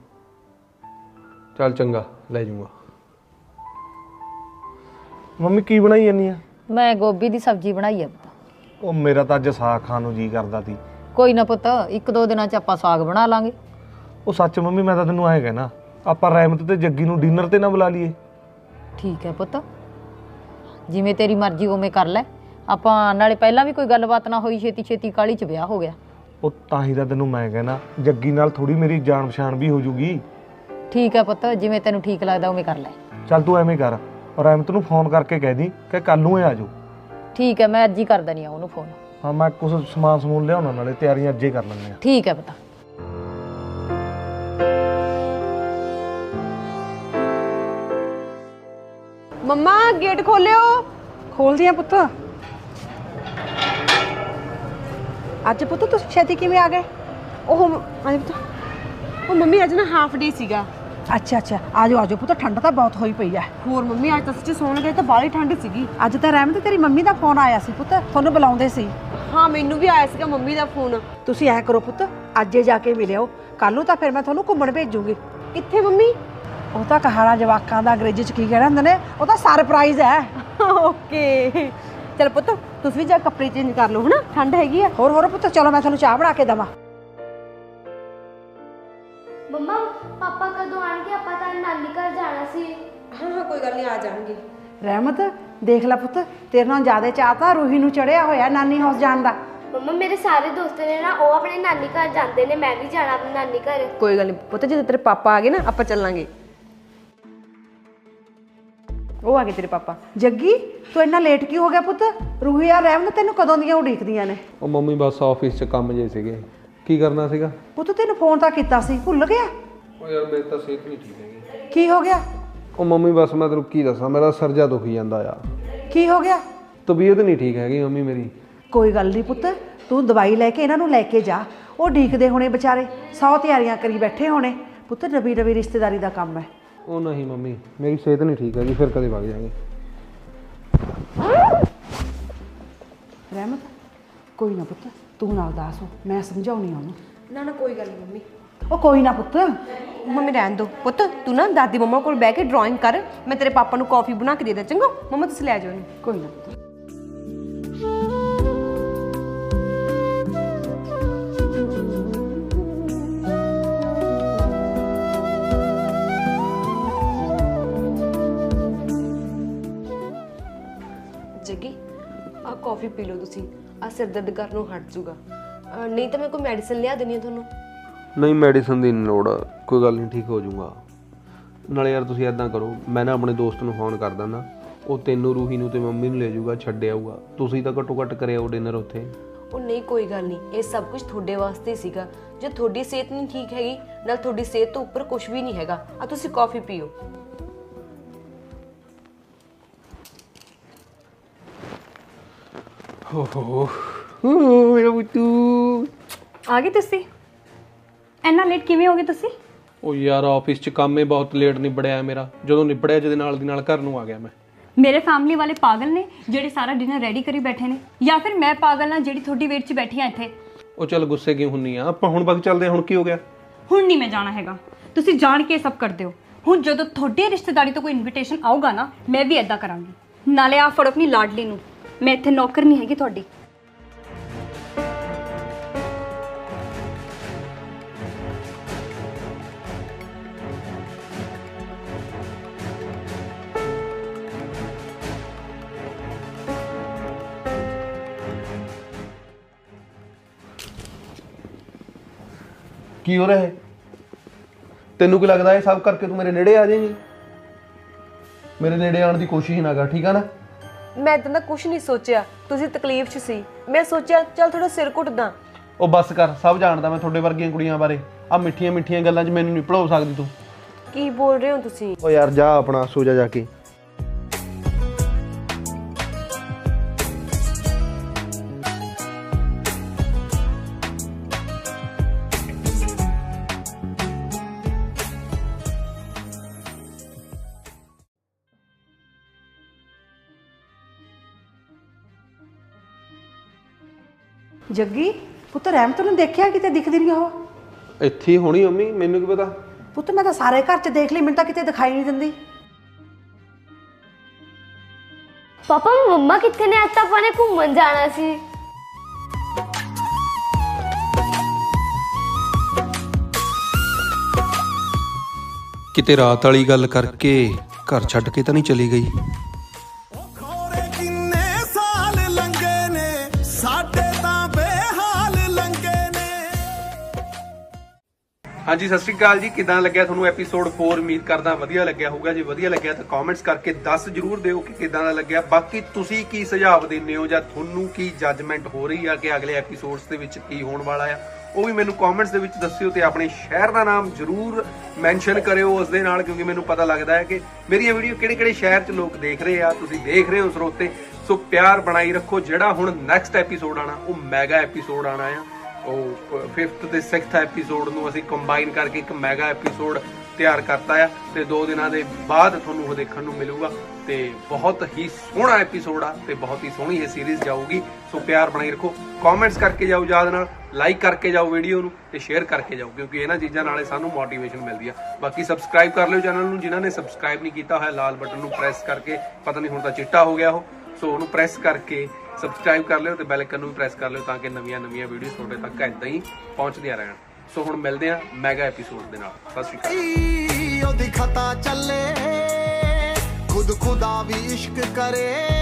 E: ਚੱਲ ਚੰਗਾ, ਲੈ ਜਾਊਂਗਾ।
A: ਮੰਮੀ ਕੀ ਬਣਾਈ ਜਾਂਦੀ ਆ?
B: ਮੈਂ ਗੋਭੀ ਦੀ ਸਬਜ਼ੀ ਬਣਾਈ ਆ ਪੁੱਤ।
A: ਉਹ ਮੇਰਾ ਤਾਂ ਅੱਜ ਸਾਗ ਖਾਣ ਨੂੰ ਜੀ ਕਰਦਾ ਸੀ।
B: ਕੋਈ ਨਾ ਪੁੱਤ, 1-2 ਦਿਨਾਂ 'ਚ ਆਪਾਂ ਸਾਗ ਬਣਾ ਲਾਂਗੇ।
A: ਉਹ ਸੱਚ ਮੰਮੀ, ਮੈਂ ਤਾਂ ਤੈਨੂੰ ਐਂ ਕਹਿਣਾ, ਆਪਾਂ ਰਹਿਮਤ ਤੇ ਜੱਗੀ ਨੂੰ ਡਿਨਰ ਤੇ ਨਾ ਬੁਲਾ ਲਈਏ।
B: ਠੀਕ ਹੈ ਪੁੱਤ, ਜਿਵੇਂ ਤੇਰੀ ਮਰਜ਼ੀ ਉਵੇਂ ਕਰ ਲੈ। ਆਪਾਂ ਨਾਲੇ ਪਹਿਲਾਂ ਵੀ ਕੋਈ ਗੱਲਬਾਤ ਨਾ ਹੋਈ, ਛੇਤੀ ਕਾਹਲੀ 'ਚ ਵਿਆਹ ਹੋ ਗਿਆ।
A: ਉਹ ਤਾਂ ਹੀ ਤਾਂ ਤੈਨੂੰ ਮੈਂ ਕਹਿਣਾ, ਜੱਗੀ ਨਾਲ ਥੋੜੀ ਮੇਰੀ ਜਾਣ ਪਛਾਣ ਵੀ ਹੋ ਜੂਗੀ।
B: ਠੀਕ ਹੈ ਪੁੱਤ, ਜਿਵੇਂ ਤੈਨੂੰ ਠੀਕ ਲੱਗਦਾ ਉਵੇਂ ਕਰ ਲੈ।
A: ਚੱਲ ਤੂੰ ਐਵੇਂ ਕਰ, ਰਹਿਮਤ ਨੂੰ ਫੋਨ ਕਰਕੇ ਕਹਿ ਦੀ ਕਿ ਕੱਲ ਨੂੰ ਇਹ ਆ ਜਾਓ।
B: ਠੀਕ ਹੈ, ਮੈਂ ਅੱਜ ਹੀ ਕਰ ਦਣੀ ਆ ਉਹਨੂੰ ਫੋਨ।
A: ਹਾਂ, ਮੈਂ ਕੁਝ ਸਮਾਨ ਲਿਆਉਣਾ, ਨਾਲੇ ਤਿਆਰੀਆਂ ਅੱਜੇ ਕਰ ਲੈਂਦੇ ਆ।
B: ਠੀਕ ਹੈ ਪੁੱਤ।
C: ਮੰਮਾ ਗੇਟ ਖੋਲਿਓ।
D: ਖੋਲਦੀ ਆ ਪੁੱਤ। ਅੱਜ ਪੁੱਤ ਤੁਸੀਂ ਛੇਤੀ ਕਿਵੇਂ ਆ ਗਏ?
C: ਉਹ ਮੰਮੀ ਅੱਜ ਨਾ ਹਾਫ ਡੇ ਸੀਗਾ।
D: ਅੱਛਾ ਆਜੋ ਪੁੱਤ, ਠੰਡ ਤਾਂ ਬਹੁਤ ਹੋਈ ਪਈ ਆ।
C: ਹੋਰ ਮੰਮੀ ਅੱਜ ਤਾਂ ਸੱਚੀ ਸੌਣ ਗਏ ਤਾਂ ਬਾਹਲੀ ਠੰਡ ਸੀਗੀ।
D: ਅੱਜ ਤਾਂ ਰਹਿਮਤ ਤੇਰੀ ਮੰਮੀ ਦਾ ਫੋਨ ਆਇਆ ਸੀ ਪੁੱਤ, ਤੁਹਾਨੂੰ ਬੁਲਾਉਂਦੇ ਸੀ।
C: ਹਾਂ ਮੈਨੂੰ ਵੀ ਆਇਆ ਸੀਗਾ ਮੰਮੀ ਦਾ ਫੋਨ।
D: ਤੁਸੀਂ ਐ ਕਰੋ ਪੁੱਤ, ਅੱਜੇ ਜਾ ਕੇ ਮਿਲਿਓ, ਕੱਲ ਨੂੰ ਤਾਂ ਫਿਰ ਮੈਂ ਤੁਹਾਨੂੰ ਘੁੰਮਣ ਭੇਜੂਗੀ।
C: ਕਿੱਥੇ ਮੰਮੀ?
D: ਉਹ ਤਾਂ ਕਹਾਣਾ ਜਵਾਕਾਂ ਦਾ ਅੰਗਰੇਜ਼ੀ ਚ ਕੀ ਕਹਿਣਾ ਹੁੰਦੇ ਨੇ, ਉਹ ਤਾਂ ਸਰਪ੍ਰਾਈਜ਼ ਹੈ।
C: ਓਕੇ ਚਲ ਪੁੱਤ, ਤੁਸੀਂ ਵੀ ਜਾ ਕੱਪੜੇ ਚੇਂਜ ਕਰ ਲਓ, ਹਨਾ ਠੰਡ ਹੈਗੀ ਆ।
D: ਹੋਰ ਪੁੱਤ, ਚਲੋ ਮੈਂ ਤੁਹਾਨੂੰ ਚਾਹ ਬਣਾ ਕੇ ਦੇਵਾਂ।
F: ਮੰਮਾ ਪਾਪਾ ਕਦੋਂ ਆਣਗੇ? ਆਪਾਂ ਤਾਂ ਨਾਨੀ ਘਰ ਜਾਣਾ ਸੀ।
C: ਹਾਂ ਕੋਈ ਗੱਲ ਨਹੀਂ, ਆ ਜਾਣਗੇ।
D: ਰਹਿਮਤ ਦੇਖ ਲੈ ਪੁੱਤ, ਤੇਰੇ ਨਾਲ ਜ਼ਿਆਦਾ ਚਾਹ ਤਾਂ ਰੂਹੀ ਨੂੰ ਚੜਿਆ ਹੋਇਆ ਨਾਨੀ ਹਾਊਸ ਜਾਣ ਦਾ।
F: ਮੰਮਾ ਮੇਰੇ ਸਾਰੇ ਦੋਸਤ ਨੇ ਨਾ, ਉਹ ਆਪਣੇ ਨਾਨੀ ਘਰ ਜਾਂਦੇ ਨੇ, ਮੈਂ ਵੀ ਜਾਣਾ ਆਪਣੀ ਨਾਨੀ ਘਰ।
C: ਕੋਈ ਗੱਲ ਨਹੀਂ ਪੁੱਤ, ਜਦੋਂ ਤੇਰੇ ਪਾਪਾ ਆ ਗਏ ਨਾ ਆਪਾਂ ਚੱਲਾਂਗੇ। ਉਹ ਆ ਗਏ ਤੇਰੇ ਪਾਪਾ।
D: ਜੱਗੀ ਤੂੰ ਇੰਨਾ ਲੇਟ ਕਿਉਂ ਹੋ ਗਿਆ ਪੁੱਤ? ਰੂਹੀ ਆ ਰਹਿਮਤ ਤੈਨੂੰ ਕਦੋਂ ਦੀਆਂ ਉਡੀਕਦੀਆਂ ਨੇ।
E: ਉਹ ਮੰਮੀ ਬਸ ਆਫਿਸ 'ਚ ਕੰਮ ਜੇ ਸੀਗੇ। ਕੀ ਕਰਨਾ ਸੀਗਾ?
D: ਪੁੱਤ ਤੈਨੂੰ ਫੋਨ ਤਾਂ ਕੀਤਾ ਸੀ, ਭੁੱਲ ਗਿਆ?
E: ਉਹ ਯਾਰ ਮੇਰੀ ਤਾਂ ਸਿਹਤ ਨਹੀਂ ਠੀਕ ਹੈਗੀ।
D: ਕੀ ਹੋ ਗਿਆ?
E: ਉਹ ਮੰਮੀ ਬਸ ਮੈਂ ਤੈਨੂੰ ਕੀ ਦੱਸਾਂ, ਮੇਰਾ ਸਿਰ ਜਾ ਦੁਖੀ ਜਾਂਦਾ ਆ।
D: ਕੀ ਹੋ ਗਿਆ?
E: ਤਬੀਅਤ ਨਹੀਂ ਠੀਕ ਹੈਗੀ ਮੰਮੀ ਮੇਰੀ।
D: ਕੋਈ ਗੱਲ ਨਹੀਂ ਪੁੱਤ, ਤੂੰ ਦਵਾਈ ਲੈ ਕੇ ਇਹਨਾਂ ਨੂੰ ਲੈ ਕੇ ਜਾ। ਉਹ ਡੀਕਦੇ ਹੋਣੇ ਵਿਚਾਰੇ, 100 ਤਿਆਰੀਆਂ ਕਰੀ ਬੈਠੇ ਹੋਣੇ। ਪੁੱਤ ਨਵੀਂ ਰਿਸ਼ਤੇਦਾਰੀ ਦਾ ਕੰਮ ਹੈ।
E: ਉਹ ਨਹੀਂ ਮੰਮੀ, ਮੇਰੀ ਸਿਹਤ ਨਹੀਂ ਠੀਕ ਹੈਗੀ, ਫਿਰ ਕਦੇ ਵਗ ਜਾਵਾਂਗੇ।
D: ਰਹਿਮਤ ਕੋਈ ਨਾ ਪੁੱਤ, ਤੂੰ ਨਾਲ ਦੱਸ, ਮੈਂ ਸਮਝਾਉਣੀ ਉਹਨੂੰ।
C: ਨਾ ਕੋਈ ਗੱਲ ਨਹੀਂ ਮੰਮੀ।
D: ਉਹ ਕੋਈ ਨਾ ਪੁੱਤ।
C: ਮੰਮੀ ਰਹਿਣ ਦੋ ਪੁੱਤ, ਤੂੰ ਨਾ ਦਾਦੀ ਮੰਮਾ ਕੋਲ ਬਹਿ ਕੇ ਡਰਾਇੰਗ ਕਰ, ਮੈਂ ਤੇਰੇ ਪਾਪਾ ਨੂੰ ਕਾਫੀ ਬਣਾ ਕੇ ਦੇ ਦਾਂ। ਚੰਗਾ ਮੰਮਾ, ਤੁਸੀਂ ਲੈ ਜਾਓ ਇਹਨੂੰ।
D: ਕੋਈ ਨਾ ਪੁੱਤ।
C: ਜੱਗੀ ਆ ਕਾਫੀ ਪੀ ਲਓ ਤੁਸੀਂ, ਆ ਸਿਰ ਦਰਦ ਕਰਨ ਨੂੰ ਹਟ ਜੂਗਾ। ਨਹੀਂ ਤਾਂ ਮੈਂ ਕੋਈ ਮੈਡੀਸਿਨ ਲਿਆ ਦੇਣੀ ਆ ਤੁਹਾਨੂੰ।
E: ਨਹੀਂ ਮੈਡੀਸਨ ਦੀ ਨਹੀਂ ਲੋੜ, ਕੋਈ ਗੱਲ ਨਹੀਂ, ਠੀਕ ਹੋ ਜਾਊਗਾ। ਨਾਲੇ ਯਾਰ ਤੁਸੀਂ ਐਦਾਂ ਕਰੋ, ਮੈਂ ਨਾ ਆਪਣੇ ਦੋਸਤ ਨੂੰ ਫੋਨ ਕਰ ਦਿੰਦਾ, ਉਹ ਤੈਨੂੰ, ਰੂਹੀ ਨੂੰ ਤੇ ਮੰਮੀ ਨੂੰ ਲੈ ਜਾਊਗਾ, ਛੱਡ ਆਊਗਾ। ਤੁਸੀਂ ਤਾਂ ਘੱਟੋ ਘੱਟ ਕਰਿਓ ਡਿਨਰ ਉੱਥੇ।
C: ਉਹ ਨਹੀਂ ਕੋਈ ਗੱਲ ਨਹੀਂ, ਇਹ ਸਭ ਕੁਝ ਤੁਹਾਡੇ ਵਾਸਤੇ ਹੀ ਸੀਗਾ। ਜੇ ਤੁਹਾਡੀ ਸਿਹਤ ਨਹੀਂ ਠੀਕ ਹੈਗੀ, ਨਾਲ ਤੁਹਾਡੀ ਸਿਹਤ ਤੋਂ ਉੱਪਰ ਕੁਝ ਵੀ ਨਹੀਂ ਹੈਗਾ। ਆ ਤੁਸੀਂ ਕਾਫੀ ਪੀਓ।
E: ਓਹੋ ਮੇਰਾ ਬੁੱਤੂ
H: ਆ ਗਏ ਤੁਸੀਂ? ਇੰਨਾ ਲੇਟ ਕਿਵੇਂ ਹੋ ਗਏ ਤੁਸੀਂ?
E: ਉਹ ਯਾਰ ਆਫਿਸ 'ਚ ਕੰਮ ਹੀ ਬਹੁਤ ਲੇਟ ਨਿਬੜਿਆ ਮੇਰਾ। ਜਦੋਂ ਨਿਬੜਿਆ ਜਿਹਦੇ ਨਾਲ ਦੀ ਨਾਲ ਘਰ ਨੂੰ ਆ ਗਿਆ ਮੈਂ।
H: ਮੇਰੇ ਫੈਮਿਲੀ ਵਾਲੇ ਪਾਗਲ ਨੇ ਜਿਹੜੇ ਸਾਰਾ ਡਿਨਰ ਰੈਡੀ ਕਰੀ ਬੈਠੇ ਨੇ, ਜਾਂ ਫਿਰ ਮੈਂ ਪਾਗਲ ਹਾਂ ਜਿਹੜੀ ਤੁਹਾਡੀ ਵੇਟ 'ਚ ਬੈਠੀ ਆ ਇੱਥੇ?
E: ਉਹ ਚੱਲ ਗੁੱਸੇ ਕਿਉਂ ਹੁੰਨੀ ਆ, ਆਪਾਂ ਹੁਣ ਵਗ ਚੱਲਦੇ ਹਾਂ। ਹੁਣ ਕੀ ਹੋ ਗਿਆ?
H: ਹੁਣ ਨਹੀਂ ਮੈਂ ਜਾਣਾ ਹੈਗਾ, ਤੁਸੀਂ ਜਾਣ ਕੇ ਸਭ ਕਰਦੇ ਹੋ। ਹੁਣ ਜਦੋਂ ਤੁਹਾਡੀ ਰਿਸ਼ਤੇਦਾਰੀ ਤੋਂ ਕੋਈ ਇਨਵੀਟੇਸ਼ਨ ਆਊਗਾ ਨਾ, ਮੈਂ ਵੀ ਐਦਾਂ ਕਰਾਂਗੀ। ਨਾਲੇ ਆ ਫੜੋ ਆਪਣੀ ਲਾਡਲੀ ਨੂੰ, ਮੈਂ ਇੱਥੇ ਨੌਕਰ ਨਹੀਂ ਹੈਗੀ ਤੁਹਾਡੀ।
E: ਕੀ ਹੋ ਰਿਹਾ ਹੈ? ਤੈਨੂੰ ਕੀ ਲੱਗਦਾ ਇਹ ਸਭ ਕਰਕੇ ਤੂੰ ਮੇਰੇ ਨੇੜੇ ਆ ਜਾਏਂਗੀ? ਮੇਰੇ ਨੇੜੇ ਆਉਣ ਦੀ ਕੋਸ਼ਿਸ਼ ਨਾ ਕਰ, ਠੀਕ ਆ ਨਾ?
C: ਮੈਂ ਤਾਂ ਕੁਝ ਨਹੀਂ ਸੋਚਿਆ, ਤੁਸੀਂ ਤਕਲੀਫ 'ਚ ਸੀ। ਮੈਂ ਸੋਚਿਆ ਚੱਲ ਥੋੜਾ ਸਿਰ ਘੁੱਟਦਾ।
E: ਉਹ ਬੱਸ ਕਰ, ਸਭ ਜਾਣਦਾ ਮੈਂ ਤੁਹਾਡੇ ਵਰਗੀਆਂ ਕੁੜੀਆਂ ਬਾਰੇ। ਆ ਮਿੱਠੀਆਂ ਮਿੱਠੀਆਂ ਗੱਲਾਂ 'ਚ ਮੈਨੂੰ ਨਹੀਂ ਭੁਲਾ ਸਕਦੀ ਤੂੰ।
C: ਕੀ ਬੋਲ ਰਹੇ ਹੋ ਤੁਸੀਂ?
G: ਓ ਯਾਰ ਜਾ ਆਪਣਾ ਸੋ ਜਾ ਕੇ।
D: ਜੱਗੀ ਪੁੱਤ, ਰਹਿਮਤ ਨੂੰ ਦੇਖਿਆ ਕਿਤੇ? ਦਿਖਦੀ ਨਹੀਂ ਉਹ।
E: ਇੱਥੇ ਹੀ ਹੋਣੀ ਮੰਮੀ, ਮੈਨੂੰ ਕੀ ਪਤਾ।
D: ਪੁੱਤ ਮੈਂ ਤਾਂ ਸਾਰੇ ਘਰ 'ਚ ਦੇਖ ਲਈ, ਮੈਨੂੰ ਤਾਂ ਕਿਤੇ ਦਿਖਾਈ ਨਹੀਂ ਦਿੰਦੀ।
F: ਪਾਪਾ ਮੰਮਾ ਕਿੱਥੇ ਨੇ? ਅੱਜ ਤਾਂ ਆਪਾਂ ਨੇ ਘੁੰਮਣ ਜਾਣਾ ਸੀ।
E: ਕਿਤੇ ਰਾਤ ਵਾਲੀ ਗੱਲ ਕਰਕੇ ਘਰ ਛੱਡ ਕੇ ਤਾਂ ਨਹੀਂ ਚਲੀ ਗਈ? ਹਾਂਜੀ ਸਤਿ ਸ਼੍ਰੀ ਅਕਾਲ ਜੀ। ਕਿਦਾਂ ਲੱਗਿਆ ਤੁਹਾਨੂੰ ਐਪੀਸੋਡ 4? ਉਮੀਦ ਕਰਦਾ ਵਧੀਆ ਲੱਗਿਆ ਹੋਊਗਾ। ਜੇ ਵਧੀਆ ਲੱਗਿਆ ਤਾਂ ਕਮੈਂਟਸ ਕਰਕੇ ਦੱਸ ਜਰੂਰ ਦਿਓ ਕਿ ਕਿਦਾਂ ਦਾ ਲੱਗਿਆ। ਬਾਕੀ ਤੁਸੀਂ ਕੀ ਸੁਝਾਅ ਦਿੰਦੇ ਹੋ ਜਾਂ ਤੁਹਾਨੂੰ ਕੀ ਜੱਜਮੈਂਟ ਹੋ ਰਹੀ ਆ ਕਿ ਅਗਲੇ ਐਪੀਸੋਡਸ ਦੇ ਵਿੱਚ ਕੀ ਹੋਣ ਵਾਲਾ ਆ, ਉਹ ਵੀ ਮੈਨੂੰ ਕਮੈਂਟਸ ਦੇ ਵਿੱਚ ਦੱਸਿਓ ਤੇ ਆਪਣੇ ਸ਼ਹਿਰ ਦਾ ਨਾਮ ਜਰੂਰ ਮੈਂਸ਼ਨ ਕਰਿਓ ਉਸ ਦੇ ਨਾਲ, ਕਿਉਂਕਿ ਮੈਨੂੰ ਪਤਾ ਲੱਗਦਾ ਹੈ ਕਿ ਮੇਰੀਆਂ ਵੀਡੀਓ ਕਿਹੜੇ-ਕਿਹੜੇ ਸ਼ਹਿਰ 'ਚ ਲੋਕ ਦੇਖ ਰਹੇ ਆ। ਤੁਸੀਂ ਦੇਖ ਰਹੇ ਹੋ ਸਰੋਤੇ, ਸੋ ਪਿਆਰ ਬਣਾਈ ਰੱਖੋ। ਜਿਹੜਾ ਹੁਣ ਨੈਕਸਟ ਐਪੀਸੋਡ ਆਣਾ ਉਹ ਮੈਗਾ ਐਪੀਸੋਡ ਆਣਾ ਆ। ਉਹ 5th ਤੇ 6th ਐਪੀਸੋਡ ਨੂੰ ਅਸੀਂ ਕੰਬਾਈਨ ਕਰਕੇ ਇੱਕ ਮੈਗਾ ਐਪੀਸੋਡ ਤਿਆਰ ਕਰਤਾ ਆ ਤੇ 2 ਦਿਨਾਂ ਦੇ ਬਾਅਦ ਤੁਹਾਨੂੰ ਉਹ ਦੇਖਣ ਨੂੰ ਮਿਲੂਗਾ ਤੇ ਬਹੁਤ ਹੀ ਸੋਹਣਾ ਐਪੀਸੋਡ ਆ ਤੇ ਬਹੁਤ ਹੀ ਸੋਹਣੀ ਇਹ ਸੀਰੀਜ਼ ਜਾਊਗੀ। ਸੋ ਪਿਆਰ ਬਣਾਈ ਰੱਖੋ, ਕਮੈਂਟਸ ਕਰਕੇ ਜਾਓ, ਯਾਦ ਨਾਲ ਲਾਈਕ ਕਰਕੇ ਜਾਓ ਵੀਡੀਓ ਨੂੰ ਤੇ ਸ਼ੇਅਰ ਕਰਕੇ ਜਾਓ, ਕਿਉਂਕਿ ਇਹਨਾਂ ਚੀਜ਼ਾਂ ਨਾਲੇ ਸਾਨੂੰ ਮੋਟੀਵੇਸ਼ਨ ਮਿਲਦੀ ਆ। ਬਾਕੀ ਸਬਸਕ੍ਰਾਈਬ ਕਰ ਲਿਓ ਚੈਨਲ ਨੂੰ, ਜਿਨ੍ਹਾਂ ਨੇ ਸਬਸਕ੍ਰਾਈਬ ਨਹੀਂ ਕੀਤਾ ਹੋਇਆ ਲਾਲ ਬਟਨ ਨੂੰ ਪ੍ਰੈਸ ਕਰਕੇ, ਪਤਾ ਨਹੀਂ ਹੁਣ ਤਾਂ ਚਿੱਟਾ ਹੋ ਗਿਆ ਉਹ, ਸੋ ਉਹਨੂੰ ਪ੍ਰੈਸ ਕਰਕੇ ਸਬਸਕ੍ਰਾਈਬ ਕਰ ਲਿਓ ਤੇ ਬੈਲ ਆਈਕਨ ਨੂੰ ਵੀ ਪ੍ਰੈਸ ਕਰ ਲਿਓ ਤਾਂ ਕਿ ਨਵੀਆਂ ਵੀਡੀਓਜ਼ ਤੁਹਾਡੇ ਤੱਕ ਏਦਾਂ ਹੀ ਪਹੁੰਚਦੀਆਂ ਰਹਿਣ। ਸੋ ਹੁਣ ਮਿਲਦੇ ਆ ਮੈਗਾ ਐਪੀਸੋਡ ਦੇ ਨਾਲ। ਸਤਿ ਸ਼੍ਰੀ ਅਕਾਲ।
I: ਉਹਦੀ ਖਤਾ ਚੱਲੇ ਖੁਦ ਖੁਦਾ ਵੀ ਇਸ਼ਕ ਕਰੇ।